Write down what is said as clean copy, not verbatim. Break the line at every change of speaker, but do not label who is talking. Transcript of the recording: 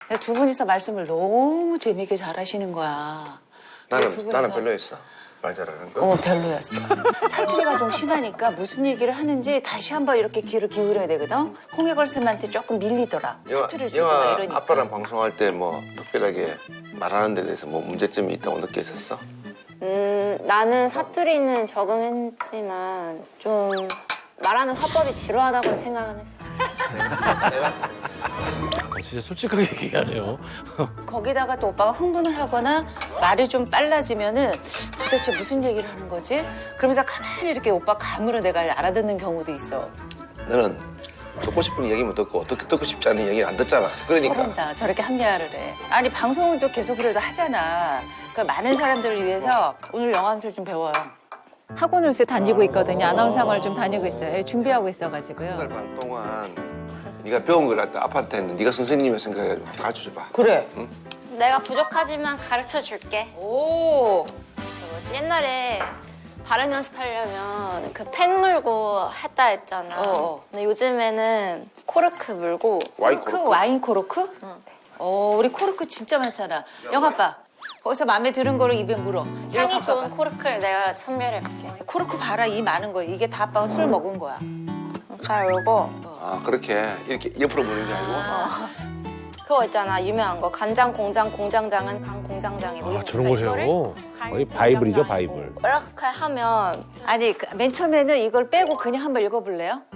두 분이서 말씀을 너무 재미있게 잘하시는 거야.
나는 별로였어. 말 잘하는 거.
별로였어. 사투리가 좀 심하니까 무슨 얘기를 하는지 다시 한번 이렇게 귀를 기울여야 되거든. 홍해걸 쌤한테 조금 밀리더라. 사투리를 쓰고 막
영화
이러니까.
아빠랑 방송할 때 뭐 특별하게 말하는 데 대해서 뭐 문제점이 있다고 느꼈었어?
나는 사투리는 적응했지만 좀 말하는 화법이 지루하다고 생각은 했어.
진짜 솔직하게 얘기하네요.
거기다가 또 오빠가 흥분을 하거나 말이 좀 빨라지면은 도대체 무슨 얘기를 하는 거지? 그러면서 가만히 이렇게 오빠 감으로 내가 알아듣는 경우도 있어.
너는 듣고 싶은 얘기만 듣고 듣고 싶지 않은 얘기는 안 듣잖아. 그러니까.
서른다 저렇게 합리화를 해. 아니 방송을 또 계속 그래도 하잖아. 그러니까 많은 사람들을 위해서 오늘 영암술 좀 배워요. 학원을 요새 다니고 있거든요. 아나운서 학원을 좀 다니고 있어요. 준비하고 있어가지고요.
한 달 반 동안 네가 배운 걸 갖다 아빠한테 했는데 네가 선생님의 생각을 가르쳐줘봐.
그래.
내가 부족하지만 가르쳐 줄게.
오.
뭐지? 옛날에 발음 연습하려면 그 펜 물고 했다 했잖아. 근데 요즘에는 코르크 물고.
와인
코르크?
코르크?
와인 코르크? 우리 코르크 진짜 많잖아. 영아빠. 거기서 마음에 드는 거를 입에 물어.
향이 좋은 코르크를 내가 선별해볼게.
코르크 봐라 이 많은 거. 이게 다 아빠가 술 먹은 거야.
잘 물고.
아 그렇게 이렇게 옆으로 보는 게 아니고.
그거 있잖아 유명한 거 간장 공장 공장장은 강 공장장이고.
아, 저런 걸
이거를
해요?
강
거의 바이블이죠,
공장장이고.
바이블.
이렇게 하면
아니 맨 처음에는 이걸 빼고 그냥 한번 읽어볼래요?